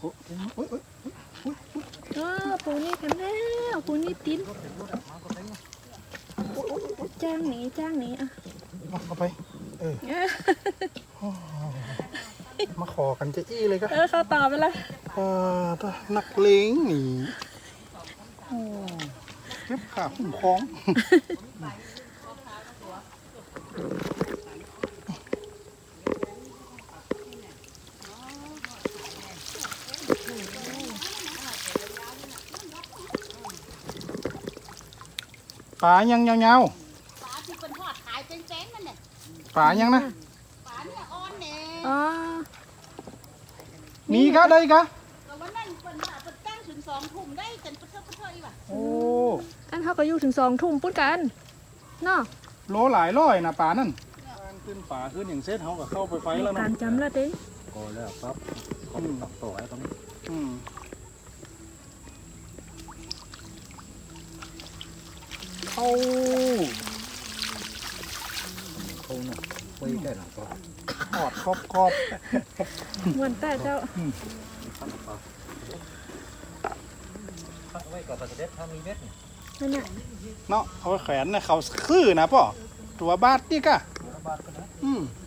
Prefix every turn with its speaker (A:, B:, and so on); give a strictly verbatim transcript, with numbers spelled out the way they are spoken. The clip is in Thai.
A: อ้โอ้ยโอ้ยโอ้ย
B: เออปูนี่กันแล้วปูนี่ติ้นจ้างหนีจ้างหนีอ่ะ
A: เอาไปเออมาขอกันจะอี้เลยก็
B: เออเขาตอบไปละ
A: เออนักเลงหนีเก็บขาคุ้มครองปลายังยาว
C: ปลาที่เป็นทอดขายเป็นแป้งมันเนี่ย
A: ๆปลายังนะ
C: ปลาเนี่ยอ่อนเนี่ย
B: อ๋อ
A: มีกะได้กะ
C: แต่วันนั้นเป็นว่าเป็นตั้งถึงสองทุ่มได้จนเพื่อเพื่ออีกว่ะ
A: โอ้
B: อันเขาก็อยู่ถึงสองทุ่มปุ้นกันเนาะ
A: โลหลายร้อยนะปลานั่นการขึ้นป่าขึ้นอย่างเซตเขาก็เข้าไปไฟแล้ว
B: กา
A: นะ
B: รจำละเต้
D: ก็แล้วครับก็ตักต่อไอ้ตรงนี้
A: อืม เข้า
D: เขาเนี่ยไปได้หนักก็
A: หอดครอบครอบ
B: มวนแต่เจ้า
D: พักไว้กับประเด็ดถ้ามีเม็ด
B: นั่นน่ะ
A: เนาะเอาแขวนนะเขาคือนะป่อตัวบาทนี่กะ
D: บาทก็นะ
A: อืม
D: เ